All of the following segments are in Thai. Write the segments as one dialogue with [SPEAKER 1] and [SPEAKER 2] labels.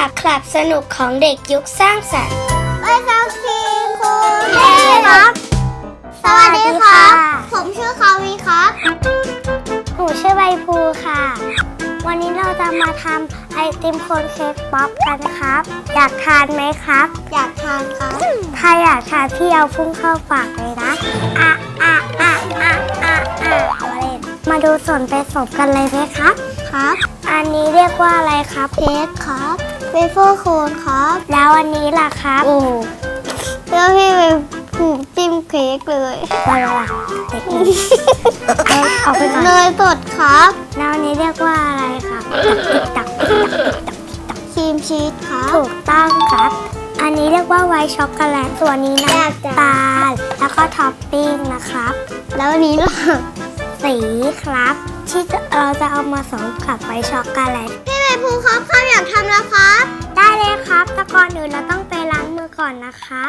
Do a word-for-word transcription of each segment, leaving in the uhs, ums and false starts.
[SPEAKER 1] คลับสนุกของเด็กยุคสร้างสรรค์
[SPEAKER 2] ไปฟังทีมคุณเทครับสวัสดีครับผมชื่อคาวีครับ
[SPEAKER 1] หนูชื่อใบภูค่ะวันนี้เราจะมาทำไอติมโคนเค้กป๊อปกันครับอยากทานไหมครับ
[SPEAKER 2] อยากทานครับ
[SPEAKER 1] ถ้าอยากทานพี่เอาพุ่งเข้าปากเลยนะอ่ะอ่ะอ่ะอ่ะอ่ะอ่ะเอาเล่นมาดูส่วนผสมกันเลยไหมครับ
[SPEAKER 2] ครับ
[SPEAKER 1] อันนี้เรียกว่าอะไรครับ
[SPEAKER 2] เค้กครับเวเฟอร์โคนครับ
[SPEAKER 1] แล้วอันนี้ล่ะครับ
[SPEAKER 2] โอ้แล้วพี่ไปผูกจิ้มเค้กเลย
[SPEAKER 1] อะไรล่ะเอาเอาไปก่อน
[SPEAKER 2] เนยสดครับ
[SPEAKER 1] แล้วอันนี้เรียกว่าอะไรครับติ๊กตักติ๊กตักติ๊กตัก
[SPEAKER 2] ครีมชีสครับ
[SPEAKER 1] ถูกต้องครับอันนี้เรียกว่าไวท์ช็อกโกแลตส่วนนี้น้ำตาลแล้วก็ท็อปปิ้งนะครับ
[SPEAKER 2] แล้วอันนี้ล่ะ
[SPEAKER 1] สีครับที่เราจะเอามาผสมกับไวท์ช็อกโกแลต
[SPEAKER 2] พี่ใบภูครับข้าอยากทำแล้วครับ
[SPEAKER 1] ได้เลยครับแต่ก่อนอื่นเราต้องไปล้างมือก่อนนะครับ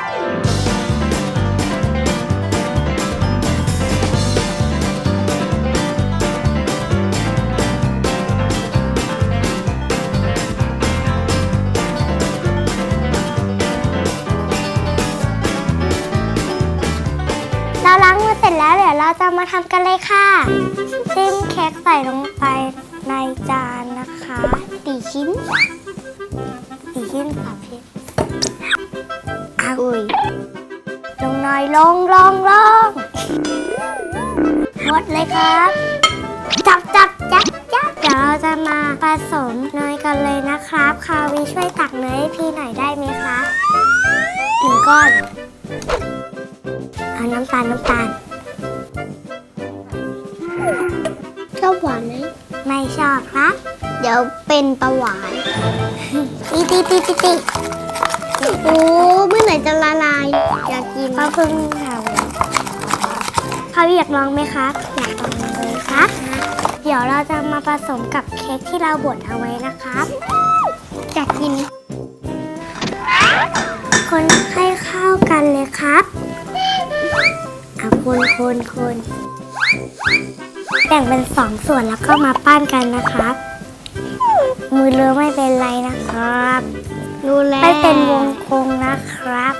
[SPEAKER 1] เราล้างมือเสร็จแล้วเดี๋ยวเราจะมาทำกันเลยค่ะจิ้มเค้กใส่ลงไปในจานนะคะ
[SPEAKER 2] สี่ชิ้น
[SPEAKER 1] สี่ชิ้นค่ะพี่อ้าว
[SPEAKER 2] อุ้ย
[SPEAKER 1] ลงหน่อยลงลงลงหมดเลยครับจับจับจับจับเดี๋ยวเราจะมาผสมเนยกันเลยนะครับคาวีช่วยตักเนยให้พี่หน่อยได้ไหมคะหนึ่งก้อนเอาน้ำตาลน้ำตาล
[SPEAKER 2] ชอบหวานไหม
[SPEAKER 1] ไม่ชอบครับ
[SPEAKER 2] เดี๋ยวเป็นประหวาน
[SPEAKER 1] ตีตีตีตีตี
[SPEAKER 2] โอ้เมื่อไหร่จะละลายอยากกิน
[SPEAKER 1] ก็เพิ่งทำเขาอยากลองไหมครับอยากลองเลยครับเดี๋ยวเราจะมาผสมกับเค้กที่เราบดเอาไว้นะครับ
[SPEAKER 2] อยากกิน
[SPEAKER 1] คนให้เข้ากันเลยครับเอาคนคนคนแบ่งเป็นสองส่วนแล้วก็มาปั้นกันนะครับมือเลอะไม่เป็นไรนะครับ
[SPEAKER 2] รู้แล้ว
[SPEAKER 1] ไม่เป็นวงกลมนะครับ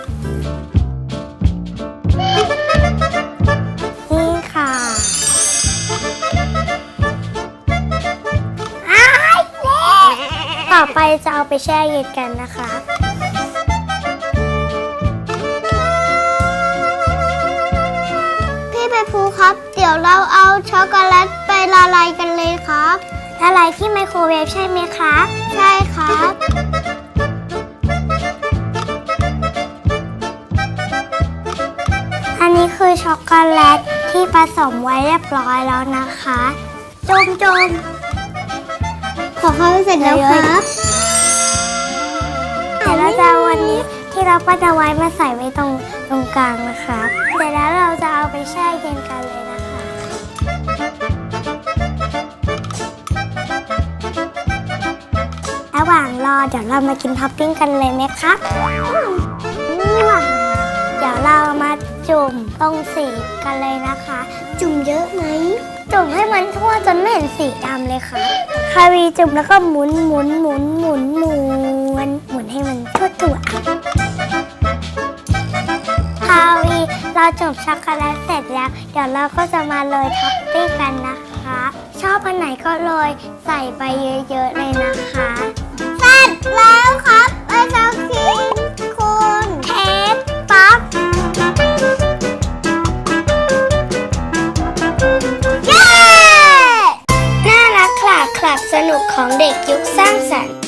[SPEAKER 1] นี่ค่ะอ้ายเละต่อไปจะเอาไปแช่เย็นกันนะคะ
[SPEAKER 2] พี่ใบภูครับเดี๋ยวเราเอาช็อกโกแลตไปละลายกันเลยครับ
[SPEAKER 1] ละลายที่ไมโครเวฟใช่ไหมครับ
[SPEAKER 2] ใช่ครับ
[SPEAKER 1] อันนี้คือช็อกโกแลตที่ผสมไว้เรียบร้อยแล้วนะคะจมจม
[SPEAKER 2] ขอเข้าเสร็จแล้วครับ
[SPEAKER 1] เดี๋ยวเราจะวันนี้ที่เราปั้นเอาไว้มาใส่ไว้ตรงตรงกลางนะคะเสร็จแล้วเราจะเอาไปแช่เย็นกันเลยนะคะระหว่างรอเดี๋ยวเรามากินท็อปปิ้งกันเลยไหมครับเดี๋ยวเรามาจุ่มตรงสีกันเลยนะคะ
[SPEAKER 2] จุ่มเยอะไหม
[SPEAKER 1] จุ่มให้มันทั่วจนไม่เห็นสีดำเลยค่ะคาวีจุ่มแล้วก็หมุนหมุนหมุนหมุนหมุนหมุนให้มันทั่วตัวคาวีเราจุ่มช็อกโกแลตเสร็จแล้วเดี๋ยวเราก็จะมาโรยท็อปปิ้งกันนะคะชอบอันไหนก็โรยใส่ไปเยอะๆเลยนะคะ
[SPEAKER 2] เสร็จแล้วครับไอศครีมคุณ
[SPEAKER 1] เค้กป๊อปน่ารักคลับคลับสนุกของเด็กยุคสร้างสรรค์